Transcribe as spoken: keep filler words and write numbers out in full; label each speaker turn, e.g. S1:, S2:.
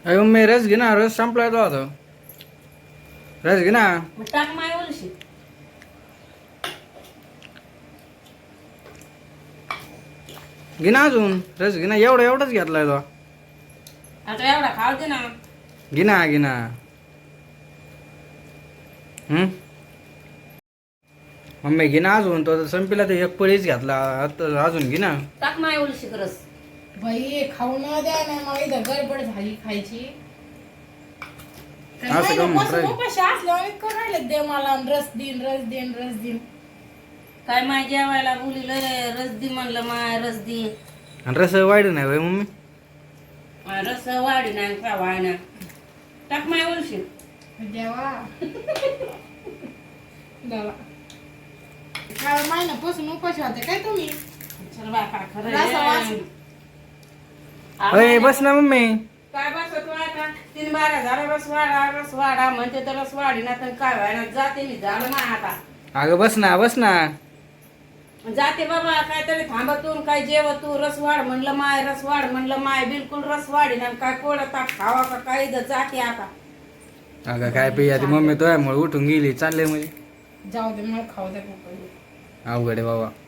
S1: अरे मम्मी रस घे ना, रस संपलाय तो आता. रस घे ना.
S2: मग टाक माय ओलशी.
S1: घे ना अजून रस घे ना, एवढा एवढाच घेतलाय तो.
S2: आता एवढा खाऊ दे ना.
S1: घे ना घे ना. हम्म मम्मी घे ना अजून, तो आता संपला तर एक पळीच घेतला आता, अजून घे ना.
S2: टाक माय ओलशी रस.
S3: बाई खाऊ न द्या ना, मला इथं गडबड झाली खायची.
S1: असं का म्हणत राहिली?
S3: उपाशी असल्यावर करून राहिले दे मला रस दिन रस दिन रस दिन.
S2: काय माय जेवायला बोलिल रस दी म्हणलं माय रस दी.
S1: आणि रस वाढ नाही बाई मम्मी.
S2: माय रस वाढी नाही का वाढ टाक माय ओलशी.
S3: देवा देवा काय महिन्यापासून उपाशी होते काय तुम्ही?
S2: चल बा का खरं
S3: रस वास.
S2: आहे.
S1: अरे बस ना मम्मी.
S2: काय बसत आता तीन बारा झाला रस वाढा रस वाढा म्हणते तर रस वाढी ना तर काय व्हायना जाते मी झालं ना आता.
S1: अगं बस ना बस ना.
S2: जाते बाबा काहीतरी थांबतून काय जेवतू रस वाढ म्हणलं माय रस वाढ म्हणलं माय बिलकुल रस वाढी ना काय कोळता खावा का काही इथं जाते आता.
S1: अगं काय पिया ती मम्मी तो मुळे उठून गेली चालले म्हणजे.
S3: जाऊ दे मग खाऊ दे पप्पा.
S1: अवघड आहे बाबा.